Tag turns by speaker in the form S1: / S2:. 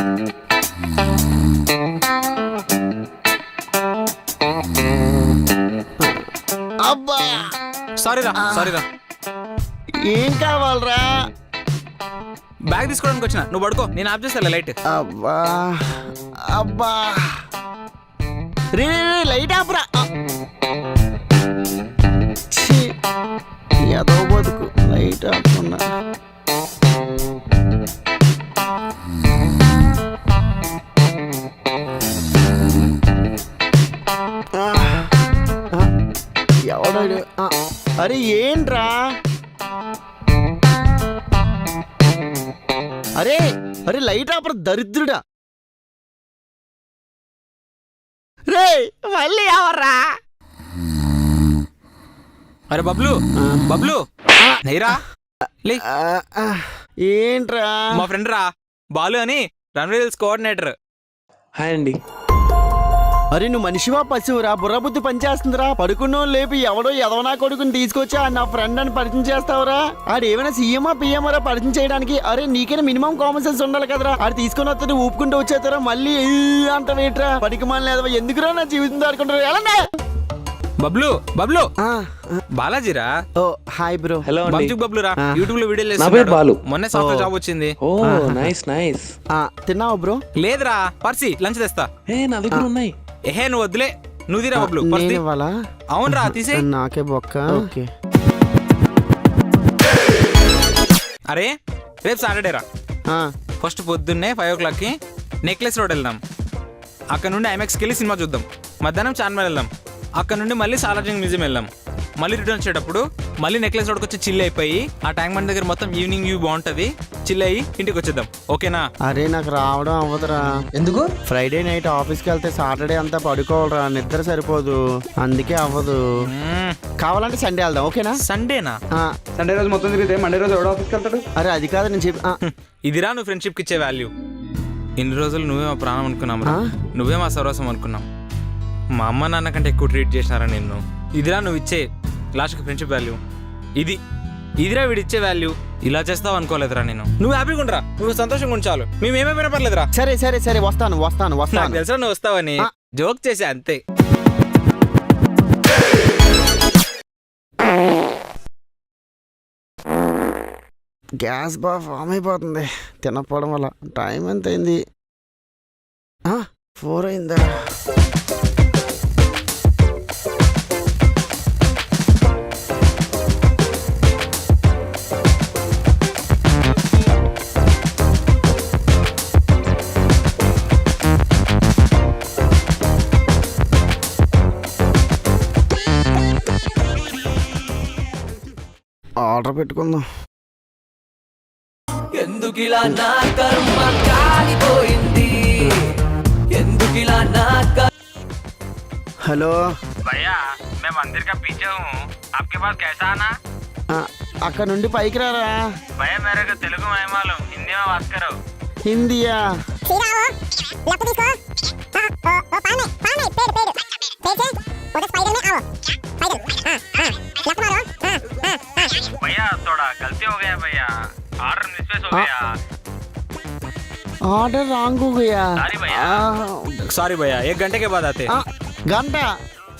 S1: అబ్బా
S2: సారీరా.
S1: ఏం కావాలరా?
S2: బ్యాగ్ తీసుకోవడానికి వచ్చిన, నువ్వు పడుకో, నేను ఆఫ్ చేస్తా లైట్.
S1: అబ్బా అబ్బా రే లైట్ ఆపరా. ఏదో బతుకు లైట్ ఆపకుండా. ఎవడాడు? అరే ఏంట్రా? అరే అరే లైట్ ఆపరా దరిద్రుడా. రే మళ్ళీ ఎవర్రా?
S2: అరే బబ్లు, బబ్లు నైరా లే.
S1: ఏంట్రా?
S2: మా ఫ్రెండ్ రా, బాలు అని రన్వేల్స్ కోఆర్డినేటర్.
S3: హాయ్ అండి.
S1: అరే నువ్వు మనిషివా పశువురా? బుర్రబుద్ధి పనిచేస్తుందిరా. పడుకున్నో లేపి ఎవడో ఎదవనా కొడుకుని తీసుకొచ్చా నా ఫ్రెండ్ అని పరిచయం చేస్తావురా? ఆడు ఏమైనా సీఎమా పిఎంఆరా పరిచయం చేయడానికి? అరే నీకైనా మినిమం కామన్ సెన్స్ ఉండాలి కదరా. ఆడు తీసుకుని వస్తే ఊపుకుంటూ వచ్చేస్తారా మళ్ళీ అంత వేట్రా పడికి మళ్ళీ లేదవా? ఎందుకురా నా జీవితం దాడుకుంటారు? ఎలా
S2: బబ్లు బబ్లు బాలాజీరా.
S1: Oh hi bro.
S3: హలో అండి.
S2: బబ్లు రా, యూట్యూబ్ లో వీడియోలు
S3: నా పేరు బాలు.
S2: మొన్నే సాఫ్ట్వేర్ జాబ్ వచ్చింది.
S3: Oh nice nice.
S1: తిన్నావా బ్రో?
S2: లేదురా, పర్సి లంచ్ తెస్తా.
S3: ఏ నా దగ్గర ఉన్నాయి.
S2: ఏహే నువ్వు వద్దులే, నువ్వు తీరా బబ్లు. పర్సి అవునరా, తీసే.
S1: నాకే బొక్క. ఓకే.
S2: అరే రేపు సాటర్డే రా. ఫస్ట్ పొద్దున్నే 5 o'clock నెక్లెస్ రోడ్ వెళ్దాం. అక్కడ నుండి ఐమాక్స్కి వెళ్ళి సినిమా చూద్దాం. మధ్యాహ్నం చార్మినార్ వెళ్దాం. అక్కడ నుండి మళ్ళీ సాలార్జంగ్ మ్యూజియం వెళ్దాం. మళ్ళీ రిటర్న్ వచ్చేటప్పుడు మళ్ళీ నెక్లెస్ రోడ్కి వచ్చి చిల్ అయిపోయి ఆ ట్యాంక్ బండ్ దగ్గర మొత్తం ఈవినింగ్ వ్యూ బాగుంటది, చిల్ అయ్యి ఇంటికి వచ్చేద్దాం. ఓకేనా?
S1: అరే నాకు రావడం అవ్వదురా.
S3: ఎందుకు?
S1: ఫ్రైడే నైట్ ఆఫీస్కి వెళ్తే సాటర్డే అంతా పడుకోవాలరా, నిద్ర సరిపోదు, అందుకే అవ్వదు. కావాలంటే సండే వెళ్దాం. ఓకేనా?
S2: సండేనా?
S3: సండే రోజు మొత్తం తిరిగితే మండే రోజు ఎవడో ఆఫీస్కి వెళ్తాడు?
S1: అరే అది కాదు నేను చెప్పి.
S2: ఇదిరా నువ్వు ఫ్రెండ్షిప్కి ఇచ్చే వాల్యూ. ఇన్ని రోజులు నువ్వే మా ప్రాణం అనుకున్నాం, నువ్వే మా సర్వస్వం అనుకున్నాం. మా అమ్మ నాన్న కంటే ఎక్కువ ట్రీట్ చేసినారా నిన్ను. ఇదిరా నువ్వు ఇచ్చే లాస్ట్కి ఫ్రెండ్షిప్ వాల్యూ. ఇదిరా వీడు ఇచ్చే వాల్యూ. ఇలా చేస్తావు అనుకోలేదురా నేను. నువ్వు హ్యాపీగా ఉండరా, నువ్వు సంతోషంగా ఉంచాలి, మేమేమైనా పర్లేదురా.
S1: సరే సరే సరే వస్తాను వస్తాను వస్తాను.
S2: తెలుసా నువ్వు వస్తావని, జోక్ చేసా అంతే.
S1: గ్యాస్ బాగా ఫామ్ అయిపోతుంది తినకపోవడం వల్ల. టైం ఎంత అయింది? 4 అయిందా? ఆర్డర్ పెట్టుకుందాం.
S4: ఎందుకిలా నా కర్మ కాలిపోయింది, ఎందుకిలా నా
S1: హలో
S2: భయ్యా మేము మందిర్ కా పీछे हूं, आपके पास कैसा आना?
S1: అక్కడ నుండి పైకి రారా.
S2: भैया मेरे को तेलुगु नहीं मालूम, हिंदी में बात करो.
S1: హిందీయా?
S2: भैया थोड़ा गलती हो गया भैया, ऑर्डर मिसप्लेस हो गया.
S1: ఆర్డర్ రాంగ్ हो गया.
S2: सॉरी भैया, 1 घंटे के बाद आते.
S1: గంట